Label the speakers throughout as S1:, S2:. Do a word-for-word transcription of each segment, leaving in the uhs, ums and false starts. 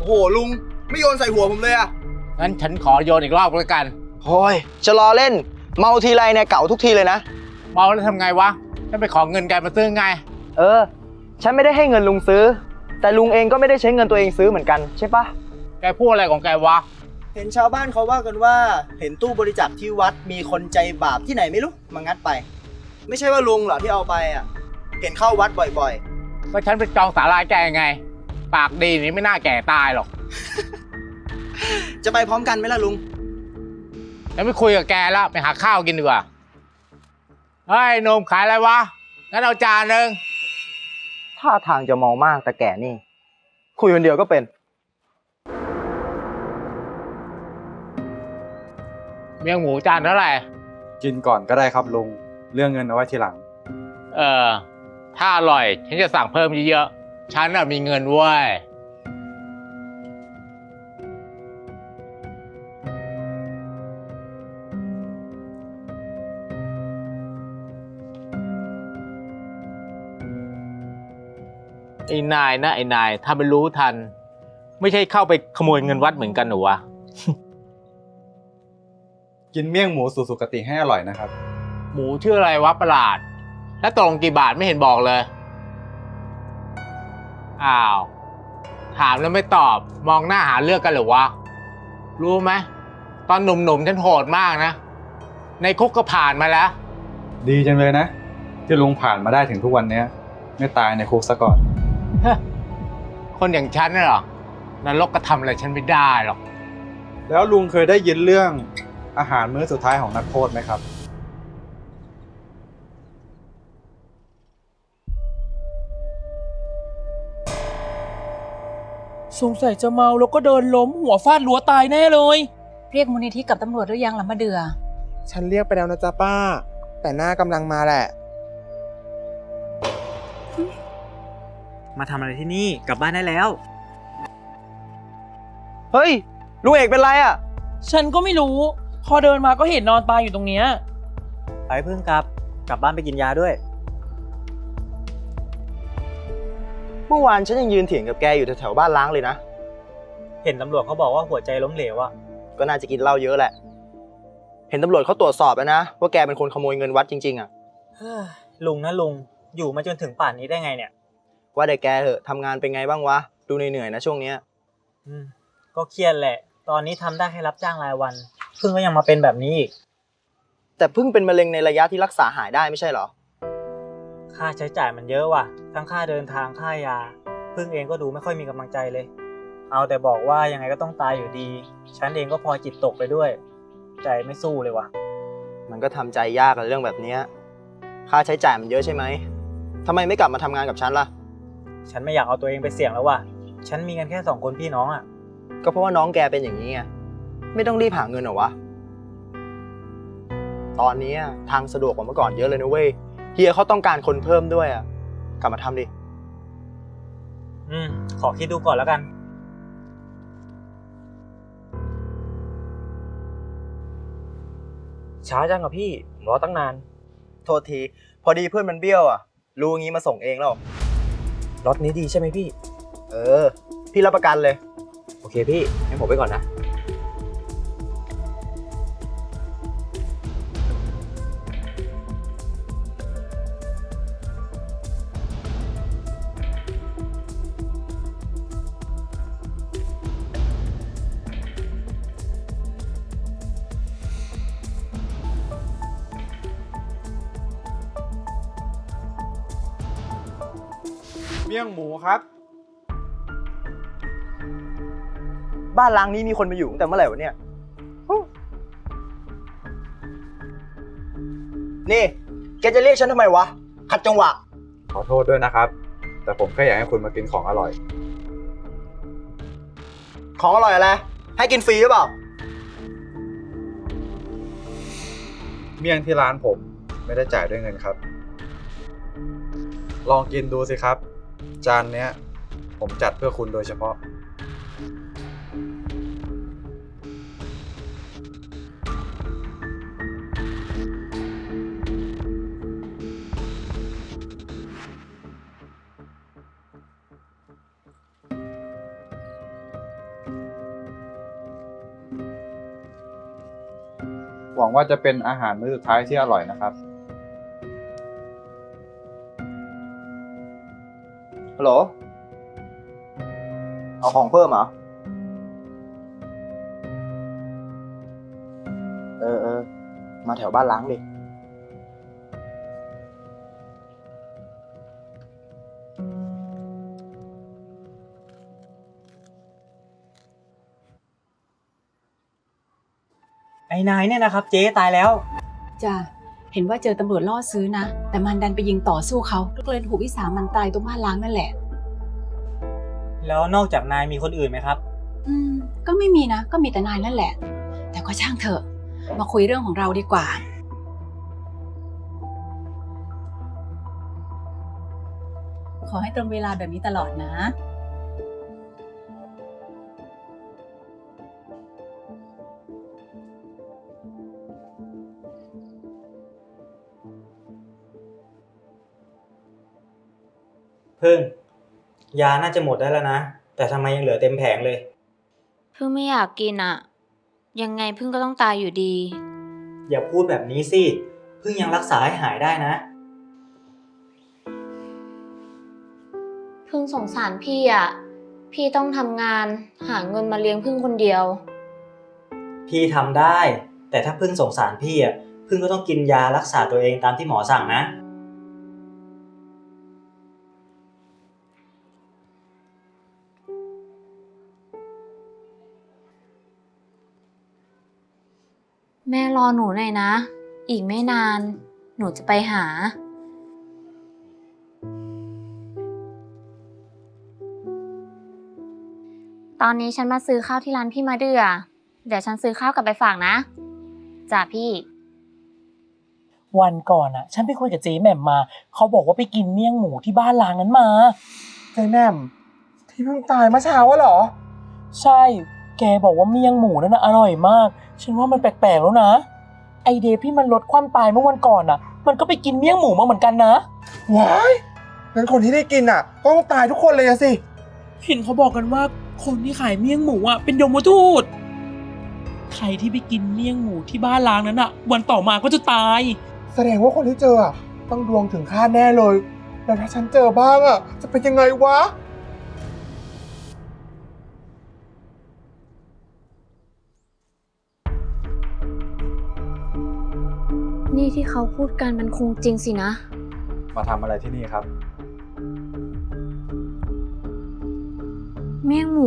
S1: โอ้โหลุงไม่โยนใส่หัวผมเลยอะ
S2: งั้นฉันขอโยนอีกรอบแล้วกัน
S1: โอ้ยจะรอเล่นเมาทีไรเนี่ยเก่าทุกทีเลยนะ
S2: เมาแล้วทำไงวะฉันไปขอเงินแกมาซื้อไง
S1: เออฉันไม่ได้ให้เงินลุงซื้อแต่ลุงเองก็ไม่ได้ใช้เงินตัวเองซื้อเหมือนกันใช่ปะ
S2: แกพูดอะไรของแกวะ
S1: เห็นชาวบ้านเขาว่ากันว่าเห็นตู้บริจาคที่วัดมีคนใจบาปที่ไหนไม่รู้มางัดไป ไม่ใช่ว่าลุงเหรอที่เอาไปอ่ะเห็นเข้าวัดบ่อย
S2: ก็ฉันไปจองศาลาแกยังไง ปากดีนี่ไม่น่าแก่ตายหรอก
S1: ๆ จะไปพร้อมกันไหมล่ะลุง
S2: ฉันไม่คุยกับแกแล้วไปหาข้าวกินดีกว่า เฮ้ยหนมขายอะไรวะ งั้นเอาจานหนึ่ง
S1: ท่าทางจะเมามากแต่แก่นี่ คุยคนเดียวก็เป็น
S2: เมียงหมูจานเท่าไหร่
S3: กินก่อนก็ได้ครับลุง เรื่องเงินเอาไว้ทีหลัง
S2: เออ ถ้าอร่อย ฉันจะสั่งเพิ่มเยอะๆ ฉันน่ะมีเงินเว้ย ไอ้นายนะไอ้นาย ถ้าไม่รู้ทัน ไม่ใช่เข้าไปขโมยเงินวัดเหมือนกันเหรอวะ
S3: กินเมี่ยงหมูสู่สุคติให้อร่อยนะครับ
S2: หมูชื่ออะไรวะประหลาด แล้วตกลงกี่บาทไม่เห็นบอกเลย อ้าว ถามแล้วไม่ตอบ มองหน้าหาเรื่องกันเหรือวะ รู้ไหม ตอนหนุ่มๆฉันโหดมากนะ ในคุกก็ผ่านมาแล้ว
S3: ดีจังเลยนะ ที่ลุงผ่านมาได้ถึงทุกวันนี้ไม่ตายในคุกซะก่อน
S2: คนอย่างฉันน่ะเหรอ นรกก็ทำอะไรฉันไม่ได้หรอก
S3: แล้วลุงเคยได้ยินเรื่องอาหารมื้อสุดท้ายของนักโทษไหมครับ
S4: สงสัยจะเมาแล้วก็เดินล้มหัวฟาดรั้วตายแน่เลย
S5: เรียกมูลนิธิกับตำรวจหรือยังล่ะมะเดือ
S6: ฉันเรียกไปแล้วนะจ๊ะป้า แต่หน้ากำลังมาแหละ
S7: มาทำอะไรที่นี่กลับบ้านได้แล้ว
S1: เฮ้ยลุงเอกเป็นไรอ่ะ
S4: ฉันก็ไม่รู้ พอเดินมาก็เห็นนอนตายอยู่ตรงเนี้ย
S7: ไปเพิ่งกลับ กลับบ้านไปกินยาด้วย
S1: เมื่อวานฉันยังยืนเถียงกับแกอยู่แถวๆบ้านล้างเลยนะ
S7: เห็นตำรวจเขาบอกว่าหัวใจล้มเหลวอะ
S1: ก็น่าจะกินเหล้าเยอะแหละ เห็นตำรวจเขาตรวจสอบแล้วนะว่าแกเป็นคนขโมยเงินวัดจริงๆอ่ะ
S7: เฮ้ยลุงนะลุง อยู่มาจนถึงป่านนี้ได้ไงเนี่ย
S1: ว่าแต่แกเหอะทำงานเป็นไงบ้างวะ ดูเหนื่อยๆนะช่วงเนี้ย
S7: อืมก็เครียดแหละ ตอนนี้ทำได้แค่รับจ้างรายวัน เพิ่งก็ยังมาเป็นแบบนี้อีก
S1: แต่เพิ่งเป็นมะเร็งในระยะที่รักษาหายได้ไม่ใช่เหรอ
S7: ค่าใช้จ่ายมันเยอะว่ะ ทั้งค่าเดินทางค่ายา พึ่งเองก็ดูไม่ค่อยมีกำลังใจเลย เอาแต่บอกว่ายังไงก็ต้องตายอยู่ดี ฉันเองก็พอจิตตกไปด้วย ใจไม่สู้เลยว่ะ
S1: มันก็ทำใจยากกับเรื่องแบบเนี้ยค่าใช้จ่ายมันเยอะใช่ไหมทำไมไม่กลับมาทำงานกับฉันล่ะ
S7: ฉันไม่อยากเอาตัวเองไปเสี่ยงแล้วว่ะ ฉันมีกันแค่สองคนพี่น้องอ่ะ
S1: ก็เพราะว่าน้องแกเป็นอย่างนี้ไง ไม่ต้องรีบหาเงินเหรอวะ ตอนนี้ทางสะดวกกว่าเมื่อก่อนเยอะเลยนะเว้ย เฮียเขาต้องการคนเพิ่มด้วยอ่ะ กลับมาทำดิ
S7: อืม ขอคิดดูก่อนแล้วกัน
S4: ช้าจังอะพี่ผมรอตั้งนาน
S1: โทษที พอดีเพื่อนมันเบี้ยวอ่ะ รู้งี้มาส่งเองแล้ว
S4: รถนี้ดีใช่ไหมพี่
S1: เออ พี่รับประกันเลย
S4: โอเคพี่ให้ผมไปก่อนนะ
S3: เมี่ยงหมูครับ
S1: บ้านล้างนี้มีคนมาอยู่ตั้งแต่เมื่อไหร่วะเนี่ยฮู้นี่ แกจะเรียกฉันทำไมวะ ขัดจังหวะ
S3: ขอโทษด้วยนะครับ แต่ผมแค่อยากให้คุณมากินของอร่อย
S1: ของอร่อยอะไร ให้กินฟรีหรือเปล่า
S3: เมี่ยงที่ร้านผมไม่ได้จ่ายด้วยเงินครับ ลองกินดูสิครับ จานเนี้ย ผมจัดเพื่อคุณโดยเฉพาะหวังว่าจะเป็นอาหารมื้อสุดท้ายที่อร่อยนะครับ
S1: ฮัลโหล เอาของเพิ่มเหรอ เออเออ มาแถวบ้านล้างดิ
S7: ไอ้นายเนี่ยนะครับเจ๊ตายแล้ว
S5: จ้ะ เห็นว่าเจอตำรวจล่อซื้อนะ แต่มันดันไปยิงต่อสู้เขาก็เลยถูกวิสามันตายตรงบ้านล้างนั่นแหละ
S7: แล้วนอกจากนายมีคนอื่นไหมครับ
S5: อืม ก็ไม่มีนะ ก็มีแต่นายนั่นแหละ แต่ก็ช่างเถอะ มาคุยเรื่องของเราดีกว่า ขอให้ตรงเวลาแบบนี้ตลอดนะ
S7: พึ่งยาน่าจะหมดได้แล้วนะ แต่ทำไมยังเหลือเต็มแผงเลย
S8: พึ่งไม่อยากกินอะยังไงพึ่งก็ต้องตายอยู่ดี
S7: อย่าพูดแบบนี้สิ พึ่งยังรักษาให้หายได้นะ
S8: พึ่งสงสารพี่อะพี่ต้องทำงานหาเงินมาเลี้ยงพึ่งคนเดียว
S7: พี่ทำได้ แต่ถ้าพึ่งสงสารพี่อ่ะพึ่งก็ต้องกินยารักษาตัวเองตามที่หมอสั่งนะ
S8: แม่รอหนูหน่อยนะ อีกไม่นาน หนูจะไปหา ตอนนี้ฉันมาซื้อข้าวที่ร้านพี่มาเดือ เดี๋ยวฉันซื้อข้าวกลับไปฝากนะจ้ะพี่
S4: วันก่อนอ่ะ ฉันไปคุยกับเจ๊แหม่มมา เขาบอกว่าไปกินเมี่ยงหมูที่บ้านล้างนั้นมา
S6: เจ๊แหม่มที่เพิ่งตายเมื่อเช้าอะเหรอ
S4: ใช่ แกบอกว่าเมี่ยงหมูนั่นน่ะอร่อยมาก ฉันว่ามันแปลกๆแล้วนะ ไอเดฟที่มันลดความตายเมื่อวันก่อนอ่ะ มันก็ไปกินเมี่ยงหมูมาเหมือนกันนะ
S6: ว้ายงั้นคนที่ได้กินอ่ะต้องตายทุกคนเลยอะสิ
S4: เห็นเขาบอกกันว่าคนที่ขายเมี่ยงหมูอ่ะเป็นยมทูต ใครที่ไปกินเมี่ยงหมูที่บ้านล้างนั้นอ่ะ วันต่อมาก็จะตาย
S6: แสดงว่าคนที่เจออะต้องดวงถึงคาดแน่เลย แล้วถ้าฉันเจอบ้างอ่ะ จะเป็นยังไงวะ
S8: นี่ที่เขาพูดกันมันคงจริงสินะ
S3: มาทำอะไรที่นี่ครับ
S8: เมี่ยงหมู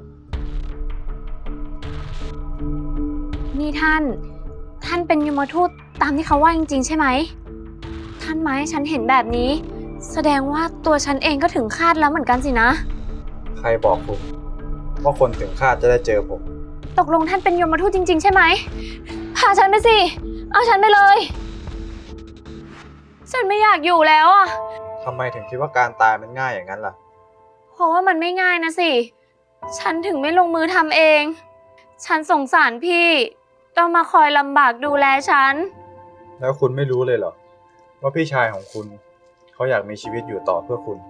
S8: นี่ท่าน ท่านเป็นยมทูตตามที่เขาว่าจริงๆใช่ไหม ท่านมาให้ฉันเห็นแบบนี้ แสดงว่าตัวฉันเองก็ถึงคาดแล้วเหมือนกันสินะ
S3: ใครบอกคุณว่าคนถึงคาดจะได้เจอผม
S8: ตกลงท่านเป็นยมทูตจริงๆใช่ไหม พาฉันไปสิ เอาฉันไปเลย ฉันไม่อยากอยู่แล้วอ่ะ
S3: ทำไมถึงคิดว่าการตายมันง่ายอย่างนั้นล่ะ
S8: เพราะว่ามันไม่ง่ายนะสิ ฉันถึงไม่ลงมือทำเอง ฉันสงสารพี่ ต้องมาคอยลำบากดูแลฉัน
S3: แล้วคุณไม่รู้เลยเหรอว่าพี่ชายของคุณเขาอยากมีชีวิตอยู่ต่อเพื่อคุณ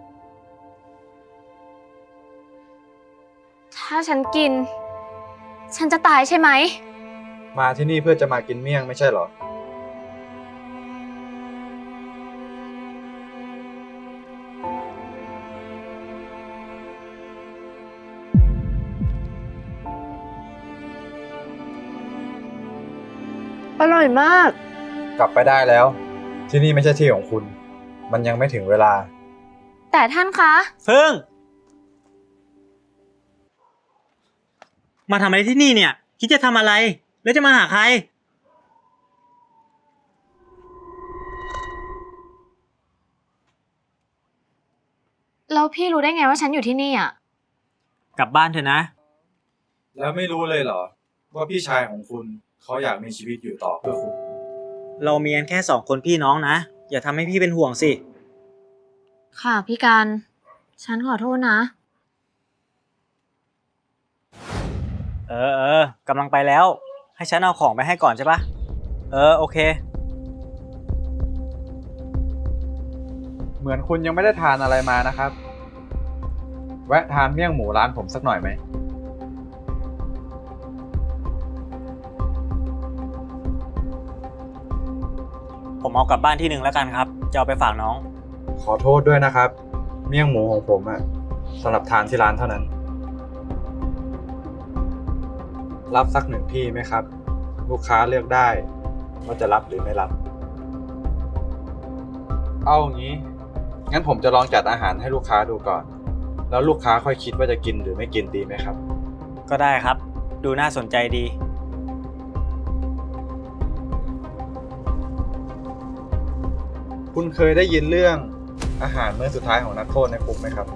S8: ถ้าฉันกิน ฉันจะตายใช่ไหม
S3: มาที่นี่เพื่อจะมากินเมี่ยงไม่ใช่เหรอ
S8: อร่อยมาก
S3: กลับไปได้แล้ว ที่นี่ไม่ใช่ที่ของคุณ มันยังไม่ถึงเวลา
S8: แต่ท่านคะ
S7: เฟิงมาทำอะไรที่นี่เนี่ย คิดจะทำอะไร แล้วจะมาหาใคร
S8: แล้วพี่รู้ได้ไงว่าฉันอยู่ที่นี่อ่ะ
S7: กลับบ้านเถอะนะ
S3: แล้วไม่รู้เลยเหรอว่าพี่ชายของคุณเขาอยากมีชีวิตอยู่ต่อเพื่อคุณ
S7: เรามีกันแค่สองคนพี่น้องนะ อย่าทำให้พี่เป็นห่วงสิ
S8: ค่ะพี่การ ฉันขอโทษนะ
S7: เออเออกำลังไปแล้ว ให้ฉันเอาของไปให้ก่อนใช่ปะเออโอเค
S3: เหมือนคุณยังไม่ได้ทานอะไรมานะครับ แวะทานเมี่ยงหมูร้านผมสักหน่อยไหม
S7: ผมเอากลับบ้านที่หนึ่งแล้วกันครับ จะเอาไปฝากน้อง
S3: ขอโทษด้วยนะครับ เมี่ยงหมูของผมอะสำหรับทานที่ร้านเท่านั้น รับสักหนึ่งที่ไหมครับ ลูกค้าเลือกได้ว่าจะรับหรือไม่รับ เอาอย่างนี้ งั้นผมจะลองจัดอาหารให้ลูกค้าดูก่อน แล้วลูกค้าค่อยคิดว่าจะกินหรือไม่กินดีไหมครับ
S7: ก็ได้ครับ ดูน่าสนใจดี
S3: คุณเคยได้ยินเรื่องอาหารมื้อสุดท้ายของนักโทษในคุกไหมครับ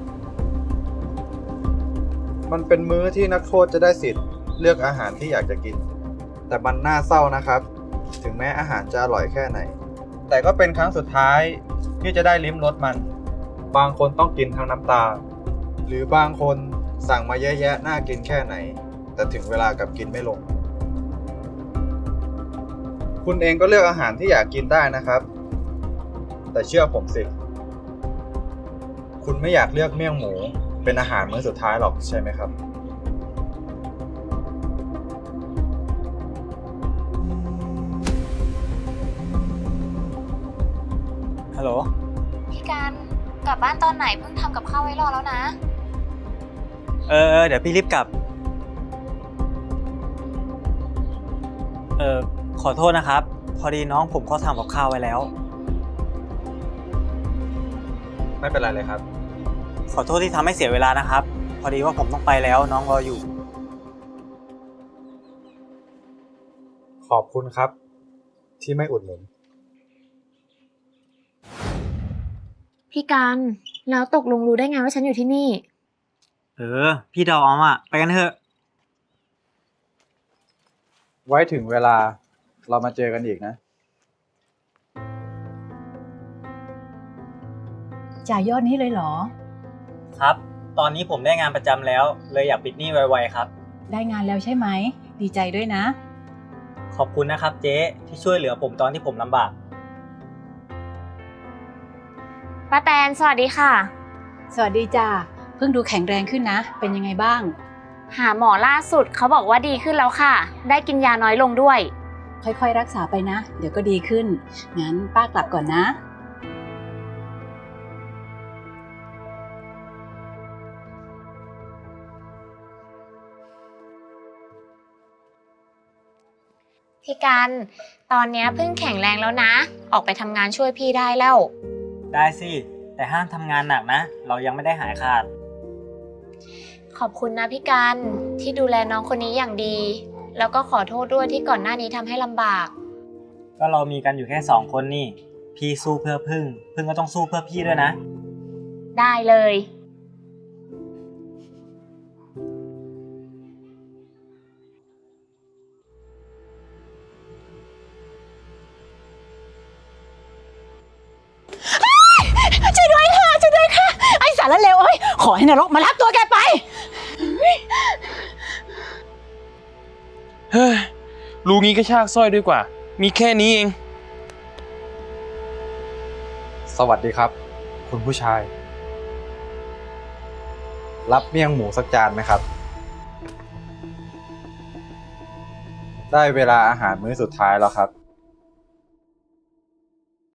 S3: มันเป็นมื้อที่นักโทษจะได้สิทธิ์เลือกอาหารที่อยากจะกิน แต่มันน่าเศร้านะครับ ถึงแม้อาหารจะอร่อยแค่ไหน แต่ก็เป็นครั้งสุดท้ายที่จะได้ลิ้มรสมัน บางคนต้องกินทั้งน้ำตา หรือบางคนสั่งมาเยอะแยะน่ากินแค่ไหน แต่ถึงเวลากลับกินไม่ลง คุณเองก็เลือกอาหารที่อยากกินได้นะครับ แต่เชื่อผมสิ คุณไม่อยากเลือกเมี่ยงหมูเป็นอาหารมื้อสุดท้ายหรอกใช่ไหมครับ
S7: ฮัลโหล
S8: พี่การกลับบ้านตอนไหนเพิ่งทำกับข้าวไว้รอแล้วนะ
S7: เออเออเดี๋ยวพี่รีบกลับ เออขอโทษนะครับ พอดีน้องผมเขาทำกับข้าวไว้แล้ว
S3: ไม่เป็นไรเลยครับ
S7: ขอโทษที่ทำให้เสียเวลานะครับ พอดีว่าผมต้องไปแล้วน้องรออยู่
S3: ขอบคุณครับ ที่ไม่อุดหนุน
S8: พี่การแล้วตกลงรู้ได้ไงว่าฉันอยู่ที่นี่
S7: เออ พี่ดอมอ่ะ ไปกันเถอะ
S3: ไว้ถึงเวลาเรามาเจอกันอีกนะ
S9: จ่ายยอดนี้เลยเหรอ
S7: ครับ ตอนนี้ผมได้งานประจำแล้ว เลยอยากปิดหนี้ไวๆครับ
S9: ได้งานแล้วใช่ไหม ดีใจด้วยนะ
S7: ขอบคุณนะครับเจ๊ที่ช่วยเหลือผมตอนที่ผมลำบาก
S8: ป้าแตนสวัสดีค่ะ
S9: สวัสดีจ้าเพิ่งดูแข็งแรงขึ้นนะ เป็นยังไงบ้าง
S8: หาหมอล่าสุดเขาบอกว่าดีขึ้นแล้วค่ะ ได้กินยาน้อยลงด้วย
S9: ค่อยๆรักษาไปนะ เดี๋ยวก็ดีขึ้น งั้นป้ากลับก่อนนะ
S8: พี่การตอนเนี้ยเพิ่งแข็งแรงแล้วนะ ออกไปทำงานช่วยพี่ได้แล้ว
S7: ได้สิ แต่ห้ามทำงานหนักนะ เรายังไม่ได้หายขาด
S8: ขอบคุณนะพี่การที่ดูแลน้องคนนี้อย่างดี แล้วก็ขอโทษด้วยที่ก่อนหน้านี้ทำให้ลำบาก
S7: ก็เรามีกันอยู่แค่สองคนนี่ พี่สู้เพื่อพึ่ง พึ่งก็ต้องสู้เพื่อพี่ด้วยนะ
S8: ได้เลย
S9: ช่วยด้วยค่ะ ช่วยด้วยค่ะ ไอ้สารเลวเอ้ย ขอให้นรกมารับตัวแกไป
S10: เฮ้ยรู้งี้ก็ชากสร้อยด้วยกว่า มีแค่นี้เอง
S3: สวัสดีครับ คุณผู้ชาย รับเมี่ยงหมูสักจานไหมครับ ได้เวลาอาหารมื้อสุดท้ายแล้วครับ